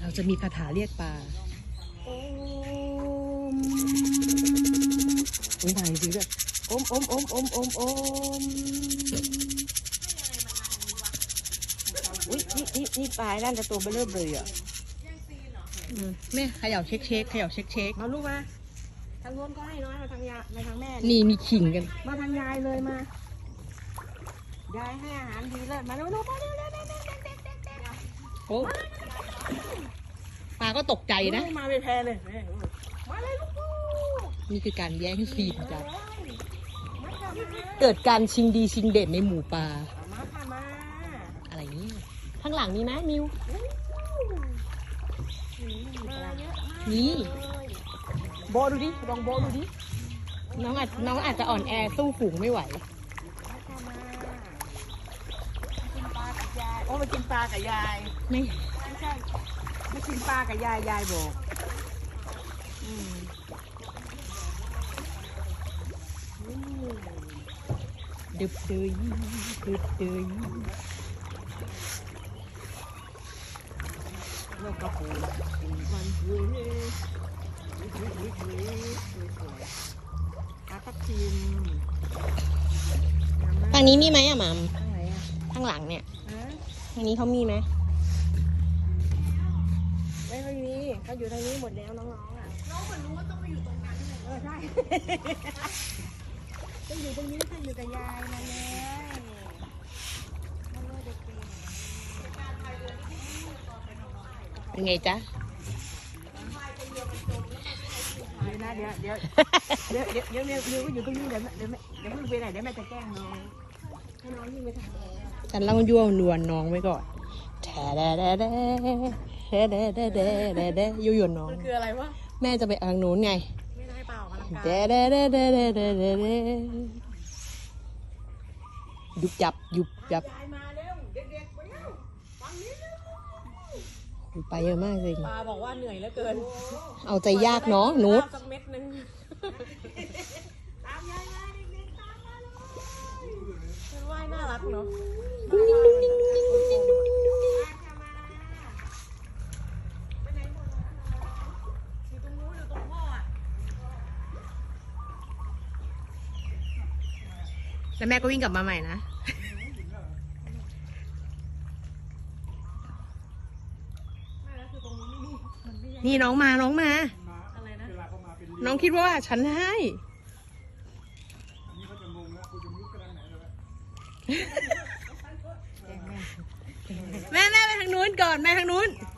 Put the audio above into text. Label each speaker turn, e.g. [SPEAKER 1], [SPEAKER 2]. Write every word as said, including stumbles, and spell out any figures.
[SPEAKER 1] เราจะมีคาถาเรียกปลาโอมอุ้ยไหนสิด้วยโอมโอมโอมโอมโอมโอมอุ้ยนี่นี่นี่ปลาด้านจะตัวเบลเลอร์เลยอ่ะแม่เขย่าเช็คเช็คเขย่าเช็คเช็คมาลูกมาทางโน้นก็ให้น้อยมาทางยามาทางแม่นี่มีขิงกันมาทางยายเลยมายายให้อาหารดีเลยมาลูกมาเร็วเร็วเร็วเร็วเร็วเร็วเร็วโอ้ปลาก็ตกใจนะมาเป็นแพเลยมาเลยลูกนี่คือการแย่งซีนกันเกิดการชิงดีชิงเด่นในหมู่ปลามาค่ะมาอะไรนี่ข้างหลังมีไหมมิวนี่โบดูดิลองโบดูดิน้องอาจน้องอาจจะอ่อนแอสู้ฝูงไม่ไหวโอ้มากินปลากับยายไม่ไม่ใช่ไม่กินปลากับยายยายบอกอืมดึบเดยดึบเดยแล้วก็ปูกินมันเว้ยเว้ยเว้ยเว้ยสวยๆปลาทับทิมทางนี้มีไหมอะหม่ำทางไหนอะข้างหลังเนี่ยทางนี้เขามีไหมไม่ค่อยมีเขาอยู่ทางนี้หมดแล้วน้องๆอ่ะน้องเหมือนรู้ว่าต้องไปอยู่ตรงนั้นเออใช่ต้องอยู่ตรงนี้ต้องอยู่กับยายมาเลยมาเลยเด็กๆเป็นไงจ๊ะเดี๋ยวนะเดี๋ยวเดี๋ยวเดี๋ยวเดี๋ยวเดี๋ยวเดี๋ยวเดี๋ยวอยู่ตรงนี้เดี๋ยวเดี๋ยวเดี๋ยวเพิ่งไปไหนเดี๋ยวแม่จะแกล้งน้องให้น้องยิ่งไปทางฉันเล่ายั่วนวลน้องไว้ก่อนแท้แด่แด่แด่แด่แด่แด่แด่แด่แด่ยั่วยวนน้องมันคืออะไรวะแม่จะไปทางนู้นไงไม่ได้เปล่ากันแด่แด่แด่แด่แด่แด่แด่แด่ยุบยับยุบยับไปเยอะมากเลยปลาบอกว่าเหนื่อยเหลือเกินเอาใจยากเนาะนุชสักเม็ดนึงตามยายมาเด็กๆตามมาเลยมันว่ายน่ารักเนาะแล้วแม่ก็วิ่งกลับมาใหม่นะนี่น้องมาน้องมาอะไรนะน้องคิดว่าฉันให้แม่แม่ไปทางนู้นก่อนแม่ทางนู้น